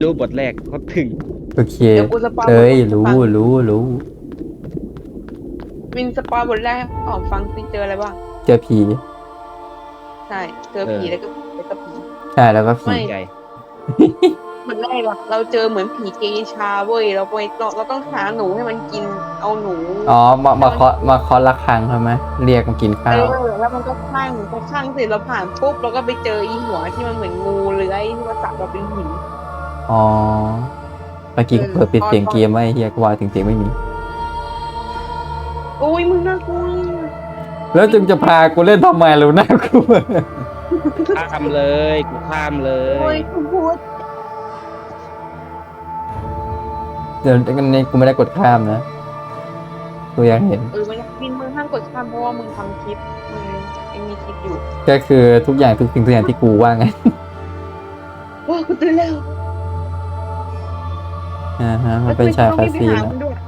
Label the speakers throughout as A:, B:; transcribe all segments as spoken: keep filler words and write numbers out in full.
A: รู้บทแรกเขาถึง
B: โอเค
C: เดี๋ยวกูสปอยบท
B: เอ้ย
C: ให้
B: รู้
C: ฟัง
B: รู้รู้
C: มินสปอยบทแรกให้ออกฟังซิเจออะไรบ้าง
B: เจอผี
C: ใช่เจอผีแล้วก็แล้วก็ผี
B: ใช่แล้วก็ผี
C: ไม่
A: ใจ
C: บทแรกอะเราเจอเหมือนผีเกย์ชาเว้ยเราไปเราเราต้องหาหนูให้มันกินเอาหนู
B: อ๋อมามาเคาะมาเคาะระฆังใช่ไหมเรียกมากิน
C: เอ
B: ข้าว
C: อแล้วมันก็ข้างพอข้างเสร็จเราผ่านปุ๊บเราก็ไปเจออีหัวที่มันเหมือนงูเลื้อยที่มาสับเราเป็นหิน
B: อ๋อเมื่อกี้ก็
C: เออ
B: เปิดปิด
C: ตอน
B: เสียงเกมไว้เฮียก็ว่าถึงเสียงไม่มี
C: โอ้ยมึงน่ากลัว
B: แล้วจึงจะพากูเล่นทำไมรู้น่ากลัว
A: ข้ามเลยกูข้ามเล
C: โอ้
A: ย
C: ยคุณพูด
B: เดี๋ยวนี้กูไม่ได้กดข้ามนะกูอยากเห็น
C: เออมันบินมึงห้ามกดข้ามเพราะว่ามึงทำคลิปมึงยังมีคลิปอยู่
B: ก็คือทุกอย่างทุกสิ่งทุกอย่างที่กูว่าไง
C: ว้าวกูตื่นแล้ว
B: อ่าฮะมันเป็นฉากคาซีน
C: แล้
B: นะ
C: ว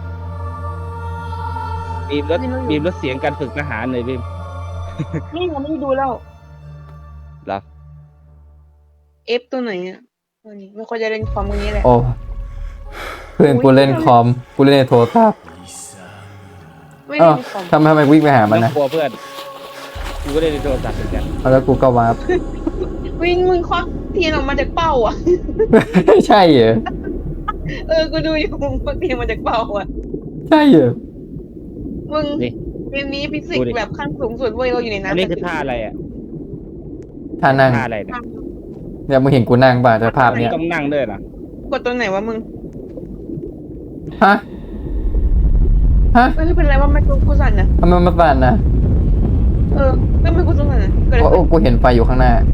A: บีมลดบีมลดเสียงการฝึกทหารเลยบีม
C: นี่เราไม่ได้ดูแล้ว
A: เหรอ
C: เอฟตัวไหนอ่ะตัวนี้ไม่ค่อยจะเล่นคอมมือนี้แหละ
B: โอ้เพื่อนกูเล่นคอมกูเล่นในโทรศัพท์
C: ไม่
B: อ้า
C: เล่
B: วน
C: คอม
B: ทำไมทำไมวิ่งไปหา
A: มั
B: มัน น
A: ต้อ
B: นะ
A: งกลัวเพื่อนกูก็ได้ในโทรศัพท์เหมือนกัน
B: เอาแล้วกูก็วาร์ป
C: วิ่งมึงควักเทียนออกมาจากเป้าอ่ะ
B: ใช่เหรอ
C: เออกูดูอยู่มึงควักเทียนมาจากเป้าอ่ะ
B: ใช่เหรอ
C: มึง
A: นี่
C: เกมนี้ฟิสิกส์แบบขั้นสูงสุดเว้ยเราอยู่ใน
A: อัน
C: น้ำ
A: นี้คือท่าอะไรอ่ะ
B: ท่านั่ง
A: ท่าอะไรเนี่ย
B: เนี่ยมึงเห็นกูนั่งป่ะแต่ภาพเนี้ย
A: ต้องนั่งด้วยเหรอก
C: ดตัวไหนวะมึง
B: ฮะฮะ
C: เอ้ยเป็นไรว่าไม่กูกูสั่นนะ
B: ทำไมมันสั่นนะ
C: เออไม่ไม่กูสั่นนะเกิดอะไร
B: โอ้
C: ขึ้น
B: กูเห็นไฟอยู่ข้างหน้า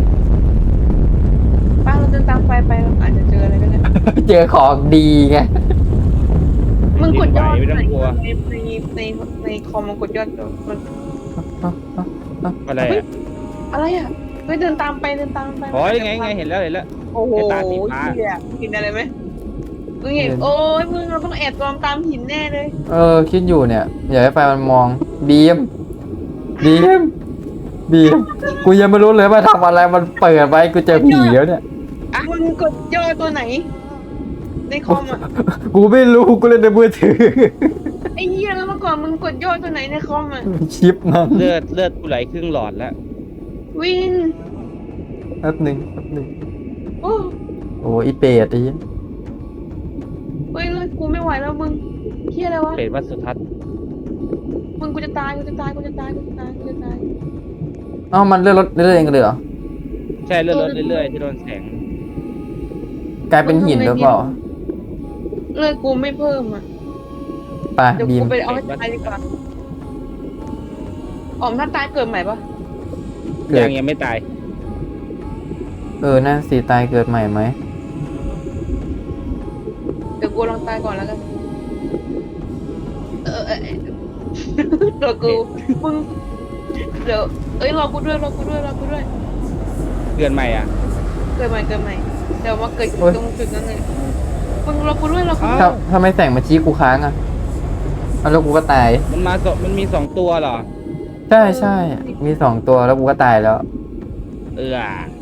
C: ป้าเราเดินตามไฟไปเราอาจจะเจออะไรก็ได้
B: เจอของดีไง
C: มึงกดยอด
A: ไม่ต้องกลัว
C: ในในในในคอมมันกดยอดมัน
A: อะไรอ่ะ
C: อะไรอ่ะเฮ้ยเดินตามไปเดินตามไป
A: อ๋อยังไงยังไงเห็นแล้วเห็นแล้ว
C: โอ้โห
A: ไอ้ตาสีฟ้า
C: เหี้ยเห็นอะไรไหมมึงเห็น
B: เห็น
C: โอ้ยมึงเราต้องแอบตามตามหินแน่เลย
B: เออคิดอยู่เนี่ย อยากให้ไฟมันมองบีมบีมบีมกูยังไม่รู้เลยว่าทำอะไรมันเปิดไว้กูเจอผีแล้วเนี่ย
C: มึงกดยอดตัวไหน ในคอมอ่ะ
B: กูไม่รู้กูเล่นในมือถือ
C: ไอ้เหี้ยแล้วเมื่อก่อนมึงกดยอดตัวไหนในคอมอ่ะ
B: ชิปมัน
A: เลือดเลือดกูไหลครึ่งหลอดแล้ว
C: วิน
B: แป๊บหนึ่งแป๊บหนึ่ง
C: โอ้
B: โอ้อีเป็ดไอ้เหี้ย
C: เฮ้ยเลยกูไม่ไหวแล้วมึงเหี้ยอะไรวะ
A: เป็ดวัดสุทัศน์
C: มึงกูจะตายกูจะตายกูจะตายกูจะตายกูจะตาย
B: เอ้ามันเลื่อนรถเลื่อนเองเลยเหรอ
A: ใช่เลือดลดเรื่อยๆที่โดนแสง
B: กลายเป็นหินหรือเปล่า
C: เลือดกูไม่เพิ่มอ่ะ
B: ไป
C: เดี๋ยว
B: บีม
C: กูไปเอาให้ตายดีกว่าอ๋อมถ้าตายเกิดใหม่ปะ
B: เกิด
A: ยังยังไม่ตาย
B: เออน่าสีตายเกิดใหม่ไหม
C: เดี๋ยวกูลองตายก่อนแล้วกันเออเออเออเดี๋ยวกูมึงเดี๋ยวเอ้ยรอกูด้วยรอกูด้วยรอกูด้วย
A: เกินใหม่อ่ะ
C: เกิดใหม่เกิดใหม่เดี๋ยวมาเกิดตรงจุดนั้นเลยมึงรอกูด้วยรอกูด้วย
A: อ้าว
B: ถ้าถ้าไม่แสงมาชี้กูค้างอ่ะเอาแล้วกูก็ตาย
A: มันมาสองมันมีสองตัวเหรอ
B: ใช่ใช่ มีสองตัวแล้วกูก็ตายแล้ว
A: เออ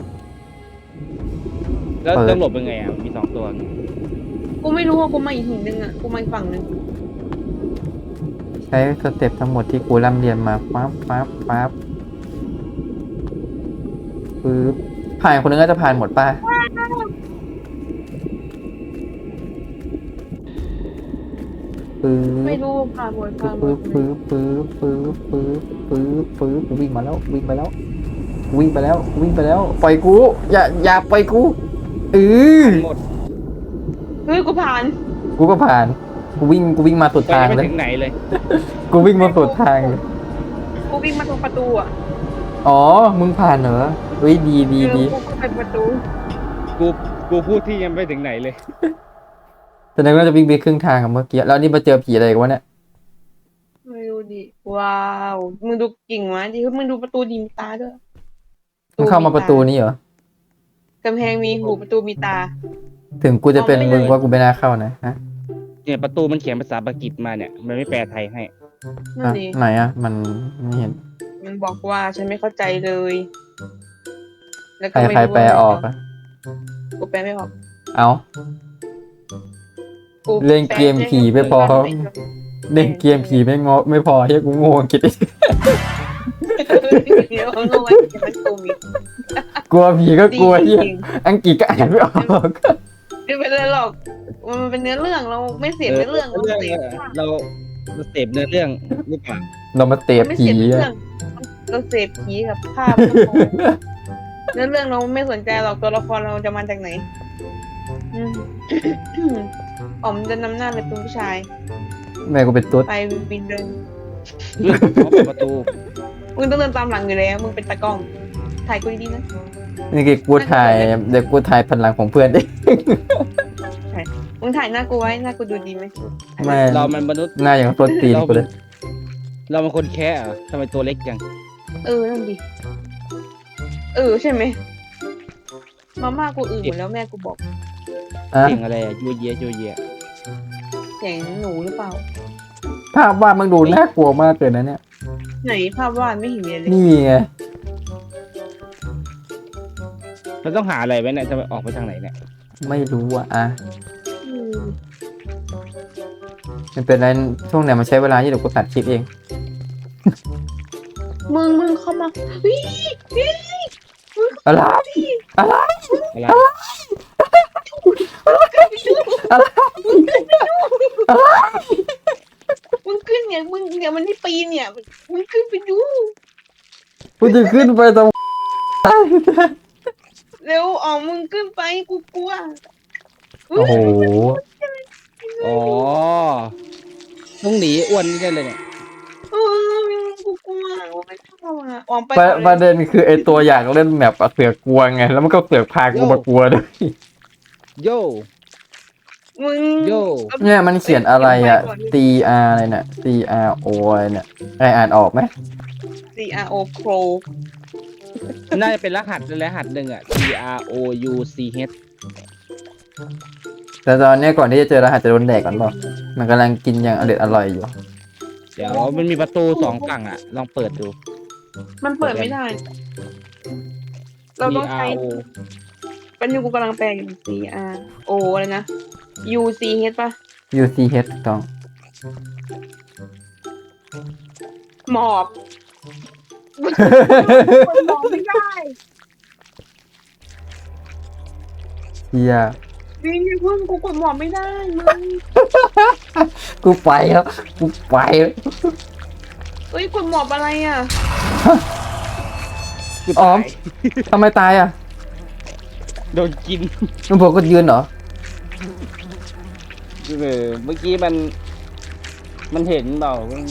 A: แล้ว
B: เปิด
A: ต้องหลบยังไงอ่ะมีสองตัว
C: กูไม่รู้ว่ากูมาอีกหินหนึ่งอ่ะกูมาอีกฝั่งหนึ่ง
B: ใช้สเต็ปทั้งหมดที่กูร่ำเรียนมาปั๊บปั๊บปั๊บปึ๊บผ่านคนนึงก็จะผ่านหมดป่ะปึ๊บ
C: ไม่รู้ผ่านหมดผ่านหม
B: ปึ๊
C: ด
B: บปึ๊บปึ๊บปึ๊บปึ๊บปึ๊บปึ๊บกูวิ่งมาแล้ววิ่งไปแล้ว วิ่งไปแล้ววิ่งไปแล้วปล่อยกูอย่าอย่าปล่อยกูเออ
A: หมด
C: เฮ้ยกูผ่าน
B: กูก็ผ่านกูวิ่งกูวิ่งมาสุด
A: ไป
B: ทาง
A: ไม่
B: เลย
A: ถึงไหนเลย
B: กูวิ่งมาสุดทางเลย
C: กูวิ่งมาตรงประตูอ่ะ
B: อ๋อมึงผ่านเหรอเฮ้ยดีดี
C: เออ
B: ดี
C: กูก็ไปประตู
A: กูกูพูดที่ยังไม่ถึงไหนเลย
B: แสดงว่าจะวิ่งไปครึ่งทางกับเมื่อกี้แล้วนี่มาเจอผีอะไรกันวะเนี่ย
C: ไม่รู้ดิว้าวมึงดูกิ่งวะดิมึงดูประตูดีมีตาด้วย
B: มึงเข้ามาประตูนี้เหรอก
C: ำแพงมีหูประตูมีตา
B: ถึงกูจะเป็น
C: มองไม่
B: มึง
C: เห็น
B: ว่ากูไม่น่าเข้านะฮะ
A: เนี่ยประตูมันเขียนภาษาปากีสมาเนี่ย มันไม่แปลไทยให้
C: นั่น
B: อ่ะ
C: ดิ
B: ไหนอ่ะมันไม่เห็น
C: มันบอกว่าฉันไม่เข้าใจเลย แล้ว
B: ใค
C: ก็
B: ร
C: ไม่
B: ใคร
C: รู้
B: แปล
C: ว่าะไร
B: ออกอ่ะ
C: กูแปลไม่ออก
B: เอา
C: กู
B: เล่นเกมผีไม่พอ เล่นเกมผีไม่งอไม่พอเฮียกูโง่อังกฤษอีก
C: เดี๋ยวงงไอ้มันกูมี
B: กลัวผีก็กลัวเฮีย
C: จริง
B: อังกฤษก็อ่านไม่ออก
C: ไม่เป็นไรหรอกมันเป็นเนื้อเรื่องเราไม่เสียเนื้อเรื่องเรา
A: เรื่อง
C: เสีย
A: เราเราเสพเนื้อเรื่องหรือเปล่า
B: เรามาเตะ
C: ไม่
B: ผี
C: เสียเนื้อ
B: อะ
C: เรื่องเราเสพผีกับภาพก็พอเนื้อเรื่องเราไม่สนใจหรอกตัวละครเราจะมาจากไหนอืม อ๋อมจะนำหน้าเลยเป็นผู้ชาย
B: แม่กูเป็นตุ๊ด
C: ไปวินเดิน
A: เขาเปิดประตู
C: มึงต้องเดินตามหลังอยู่แล้วมึงเป็นตากล้องถ่ายกูดีๆนะ
B: นี่คือกูถ่ายเดี๋ยวกูถ่ายพันหลังของเพื่อนดิ
C: มึงถ่ายหน้ากูไว้หน้ากูดูดีไหม
B: ไม่
A: เรามันมนุษย์
B: หน้าอย่างต้นตีนกูเลย
A: เราเป็นคนแค่เหรอทำไมตัวเล็กจัง
C: เออนั่นดิเออใช่ไหมมาม่ากูอื่นหมดแล้วแม่กูบอก
B: อ่ะ
A: เสียงอะไรอะยัวเยียยัวเยีย
C: เสียงหนูหรือเปล่า
B: ภาพวาดมึงดูน่ากลัวมากเลยนะเนี่ย
C: ไหนภาพวาดไม่เห็นมีเลย
B: นี่ไง
A: เราต้องหาอะไรไว้เนี่ยจะไปออกไปทางไหนเนี่ย
B: ไม่รู้อ่ะอ่ะ
C: อืม
B: มันเป็นไรช่วงไหนมันใช้เวลาที่เดี๋ยวกูตัดคลิปเอง
C: มึงมึงเข้ามาเฮ้ยเฮ้ย
B: อะไรอะไร
A: อะไร
C: มึงขึ้นเนี่ยมึงเนี่ยมันที่ปีนเนี่ยมึงขึ้นไปดู
B: กูจะขึ้นไปตรง
C: เร็วอ๋อมึงขึ้นไปกูกลัว
B: โอ้โห
A: อ๋อต้องหนีอ้วนนี่ได้เลยเนี่ย
C: เออกูกลัวกูไม่ชอบอ่ะออกไป
B: ประ
C: ก่อน
B: ประ
C: เลย
B: เด็นคือไอตัวอยากเล่นแมปอะเสือกกลัวไง แล้วมันก็เสือกพากูมากลัวด้วย
A: โย่
C: มึง
A: โย่
B: เนี่ยมันเขียนอะไรอ่ะ T R อะไรเนี่ย T R O อะไรเนี่ยไออ่านออกไหม
C: C R O Crow
A: น่าจะเป็นรหัสรหัสหนึ่งอะ T R O U C H
B: แต่ตอนเนี้ยก่อนที่จะเจอรหัสจะโดนแดกก่อนเปล่ามันกำลังกินอย่างอร่อยอร่อยอยู่
A: เดี๋ยวมันมีประตูสองฝั่งอะลองเปิดดู
C: มันเปิดไม่ได้ เราต้อง
A: T
C: ใช้
A: R O
C: เป็นยูกูกำลังแปลอยู่ C R O อะไรนะ U C H ป่ะ
B: U C H ถูกต้อง
C: หมอบมันมองไม่ได้
B: เฮีย
C: วิ่งอย่าเพิ่งกูกดหมอบไม่ได้มึง
B: กูไปแล้วกูไปแล้ว
C: เอ้ยกดหมอบอะไรอ่ะ
B: อ๋อมทำไมตายอ่ะ
A: โดนกิน
B: มึงบอกก็ยืนเหรอ
A: เออเมื่อกี้มัน มันเห็นเปล่ามัน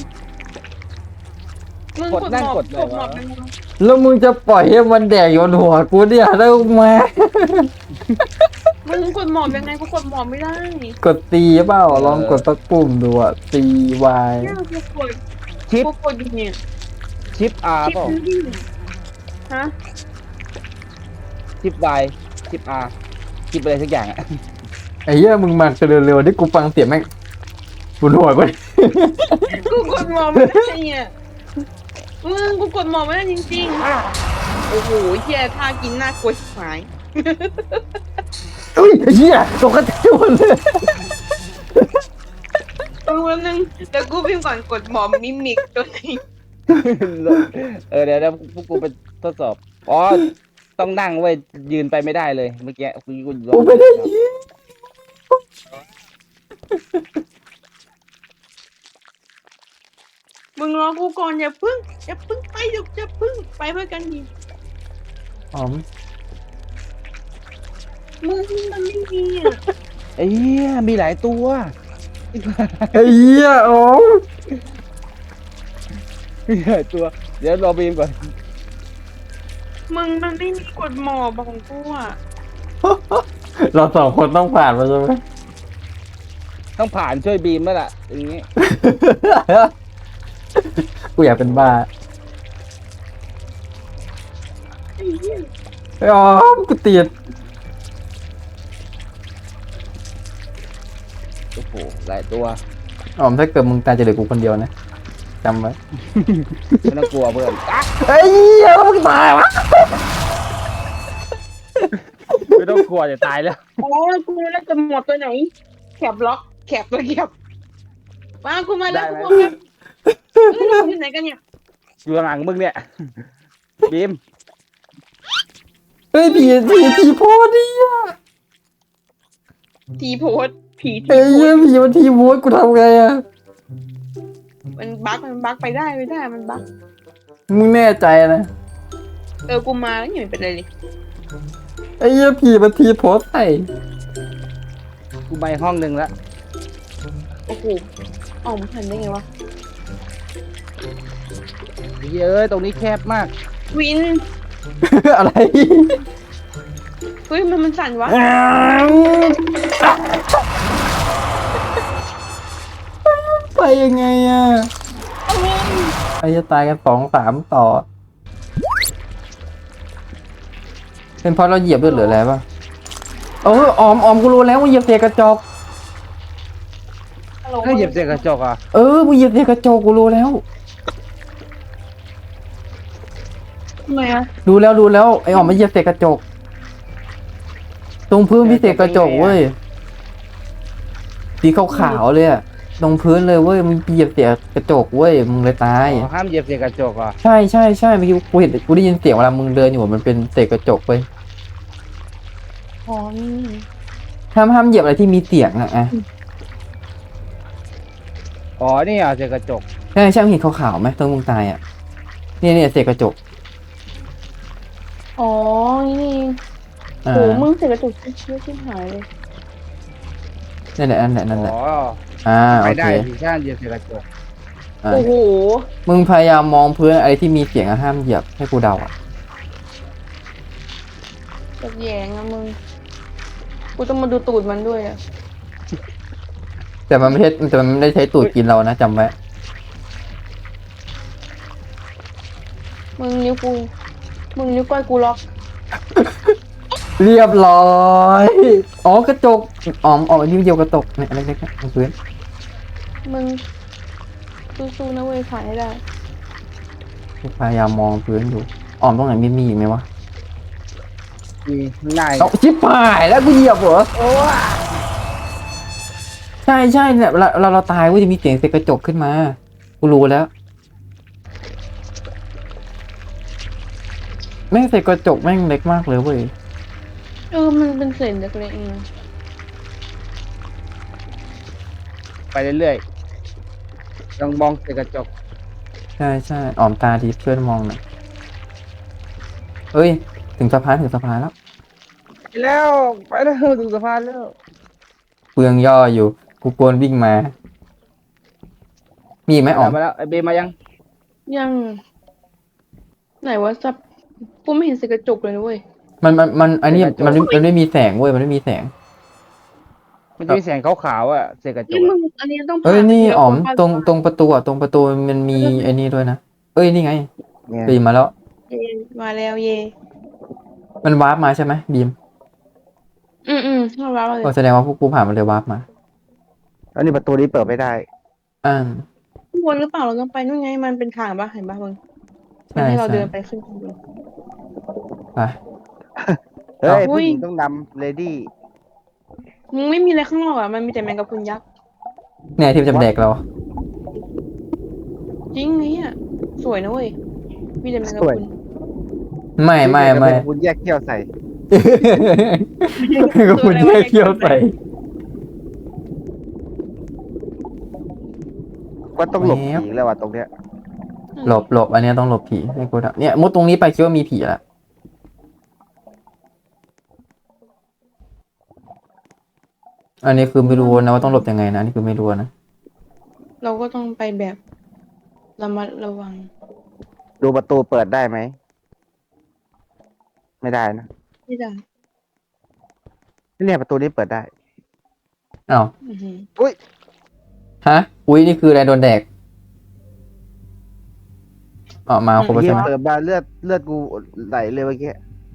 C: มึง
A: ก
C: ก
A: ด
C: ด
A: นั่
C: ห
A: ง
C: มอบ
A: กด
C: ก
A: อะไร
C: ดหมอบ
A: วะ
C: เป็นไง
B: แล้วมึงจะปล่อยให้มันแดกอยู่บนหัวกูเนี่ยแล้วมา
C: มึงกดหมอบยังไงกูกดหมอบไม่ได้
B: กดตีเปล่าลองกดสักปุ่มดูอ่ะ C Y
C: เนี่ยกูกด
A: ชิป
C: กูกดอยู่เนี่ย
A: ชิป R
C: ชิป
A: เปล่า
C: นี่ฮะ
A: ชิป Y ชิป R ชิปอะไรสักอย่างอะ
B: ไอ้เหี้ยมึงมาเร็วๆที่กูฟังเสียงแม่งบนหัวกู
C: กูกดหมอบไม่ได้เนี่ยมึงกูกดหมอบไม่ได้จริงๆโอ้โหเฮียท่ากินน่ากลัวชิบหาย
B: อุ้ยไอ้เหี้ยตกกระจายหมดเลย
C: เออวันนึงเดี๋ยวกูพิมพ์ก่อนกดหมอบมิมิกตัวนี้
A: เออเดี๋ยวเดี๋ยวพวกกูไปทดสอบ อ๋อ ต้องนั่งไว้ยยืนไปไม่ได้เลย เมื่อกี้กูกูลอง
B: กูไม่ได้ยิน
C: มึงรอกูก่อนอย่าพึ่งอย่าพึ่งไปเดี๋ยวอย่าพึ่งไปเพื่อกันดี
B: อ๋อม
C: มึงมันไม่มีอ่ะ
A: ไอ้เหี้ยมีหลายตัว
B: ไอ้เหี้ยอ๋อม
A: มีหลายตัว เดี๋ยวรอบีมก่อน
C: มึงมันไม่มีกดหมอบของกูอ่ะ
B: เราสองคนต้องผ่านมาใช่ไหม
A: ต้องผ่านช่วยบีมแล้วล่ะอย่างงี้
B: กูอยากเป็นบ้า
C: ไอ้เหี้ย
B: ไอ้อ๋อมกูติด
A: โอ้โห หลายตัว
B: อ๋อมถ้าเกิดมึงตายจะเหลือกูคนเดียวนะจำไว้
A: ไม่ต้องกลัวเพื่อนอ่ะ
B: ไอ้เหี้ยแล้วมึงตายวะ
A: ไม่ต้องต้องกลัวจะตายแล้ว
C: อ๋อกูแล้วจะหมดตัวไหนแคบล็อกแคบตัวแคบมากูมาแล้วกูมาเอ้ยเราอยู่ไหนกันเนี่ย
A: อยู่ข้างหลังมึงเนี่ยบีม
B: เฮ้ยผีผีผีโพสดิอ่ะ
C: ทีโพสผีที
B: เฮ้ย
C: โพส
B: ผีมันทีโพสกูทำไงอ่ะ
C: มันบั๊กมันบั๊กไปได้ไม่ได้มันบั๊ก
B: มึงแน่ใจนะ
C: เออกูมาแล้วอย่าเป็นไรเลย
B: ไอ้เหี้ยผีมันทีโพสใส่
A: กูไปห้องหนึ่งแล้ว
C: โอ้โหอ๋อมันทันได้ไงวะ
A: เอ้ยตรงนี้แคบมาก
C: วิน
B: อะไร
C: เฮ้ยมันมันสั่นวะ
B: ไปยังไงอ่ะไอ้จะตายกันสองสามต่อ เป็นเพราะเราเหยียบด้วยหรืออะไรป่ะเออออมออมกูรู้แล้วมึงเหยียบเศษกระจก
A: ถ้าเหยียบเศษกระจกอ่ะ
B: เออมึงเหยียบเศษกระจกกูรู้แล้ว
C: ทำไมอะ
B: ดูแล้วดูแล้วไอ้ออมมันเหยียบเศษกระจก ตรงพื้นมีเศษกระจกเว้ยสีขาวๆเลยอะตรงพื้นเลยเว้ยมึงเหยียบเศษกระจกเว้ยมึงเลยตาย
A: อ๋อห้ามเหยียบเศษกระจกอ่ะ
B: ใช่ใช่ใช่เมื่อกี้กูเห็นกูได้ยินเสียงเวลามึงเดินอยู่มันเป็นเศษกระจกเว้ย
C: อ๋อนี่
B: ห้ามห้ามเหยียบอะไรที่มีเสียงอะอะ
A: อ๋อนี่อ่ะเศษกระจก
B: ใช่ใช่มึงเห็นขาวๆไหมตรงมึงตายอะเนี่ยเนี่ยเศษกระจก
C: อ๋อนี่
B: อ่า
C: โหมึงเสร็จกระจุกเชื่อชิบหายเลย
B: นั่นแหละนั่นแหละนั่นแหละ
A: อ๋อ
B: อ่าโอ
A: ไป
B: เค
A: ได้สิถ้าเหยียบเศษกระจก
B: อ่า
C: โอ้โห
B: มึงพยายามมองพื้นอะไรที่มีเสียงอะห้ามเหยียบให้กูเดาอะ
C: แบบแยงอะมึงกูต้องมาดูตูดมันด้วยอะ
B: แต่มันไม่ใช่แต่มันไม่ได้ใช้ตูดกินเรานะจำไว้
C: มึงนิ้วกูมึงนิ้วก้อยกูล็อก
B: เรียบร้อยอ๋อกระจกอ๋อมอ๋อนิ้วเดียวกระจกเนี่ยอะไรเล็กๆบนพื้น
C: มึงสู้ๆนะเว้ยขายให้ได้
B: พยายามมองพื้นดูอ๋อมตรงไหนมีมีอีกไหมวะ
A: มีง่าย
B: เอาชิบหายแล้วกูเหยียบเหรอใช่ใช่เนี่ยเราเราเราตายเว้ยจะมีเสียงเศษกระจกขึ้นมากูรู้แล้วแม่งเศษกระจกแม่งเล็กมากเลยเว้ย
C: เออมันเป็นเศษเล็กๆเอง
A: ไปเรื่อยๆลองมองเศษกระจก
B: ใช่ใช่อ๋อมตาดีเพื่อนมองหน่อยเอ้ยถึงสะพานถึงสะพานแล้ว
A: ไปแล้วไปแล้วถึงสะพานแล้ว
B: เปลืองย่ออยู่กูกวนวิ่งมา มีอีกไหมอ๋อม
A: มาแล้วไอเบมมายัง
C: ยังไหนวะซับกูไม่เห็นเศษกระจกเลยนะเว้ย
B: มันมันมันอันนี้มันไม่มันไม่มีแสงเว้ยมันไม่มีแสง
A: มันจะมีแสงขาวๆอ่ะเศษกระจ
C: นี่
A: ก
C: มึ
A: อะ
C: งอันนี้ต้องผ่า
B: เอ้ยนี่
C: ทีละ
B: อ๋อม
C: คน
B: ตรงตรงประตูอ่ะตรงประตูมันมีไอ้นี่ด้วยนะเอ้ยนี่ไง
A: เนี่ย
B: บีมมาแล้ว
C: เย่มาแล้วเย่
B: มันวาร์ปมาใช่ไหมบีม
C: อืมอืมเข้ารับเลย
B: ก็แสดงว่าพวกกูผ่านมันเลยวาร์ปมา
A: อันนี้ประตูนี้เปิดไม่ได้
B: อ่า
C: ข้างบนหรือเปล่าเราต้องไปนู่นไงมันเป็นทางปะเห็นปะมึงมัน
B: ใช่
C: ให้เรา
B: ใช่
C: เดินไปขึ้นข้างบน
B: ไป
A: เฮ้ย
C: อุ้
A: ผู้
C: ย
A: หญิงต้องนำเลดี้
C: มึงไม่มีอะไรข้างนอกอ่ะมันมีแต่แมงกะพรุนยักษ์
B: เนี่ยที่มันจะแดกเรา
C: จริงไงอ่ะสวยนะเว้ยมีแต่แมงกะพรุน
B: ไม่ไม่ไม่
A: คุณแยกเขี้ยวใส่
B: ก็คุณแยกเคี้ยวใส่
A: ก็ต้องหลบผีแล้วว่ะตรงเนี้ย
B: หลบหลบอันเนี้ยต้องหลบผีให้กูทำเนี่ยมุดตรงนี้ไปคิดว่ามีผีละอันนี้คือไม่รู้นะว่าต้องหลบยังไงนะอันนี่คือไม่รู้นะ
C: เราก็ต้องไปแบบระมัดระวัง
A: ดูประตูเปิดได้ไหมไม่ได้นะ
C: ไม่ได้
A: เนี่ยประตูนี้เปิดได้
B: อ้าว
C: อือหือ
A: อุ้ย
B: ฮะอุ้ยนี่คืออะไรโดนแดกอ๋อมาครบแล้ว
A: เฮี
B: ใช่
A: ย
B: ไหม
A: เปิดมาเลือดเลือดกูไหลเลยเมื่อกี้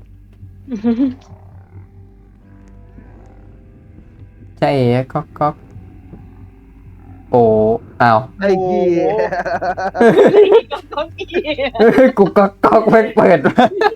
B: ใช่เอ๋ก๊อกก๊อกโอ้อ้าว
A: ไอ้เหี้ย
C: ก็อี
B: กูก๊อกก๊อกแม่งเปิดมา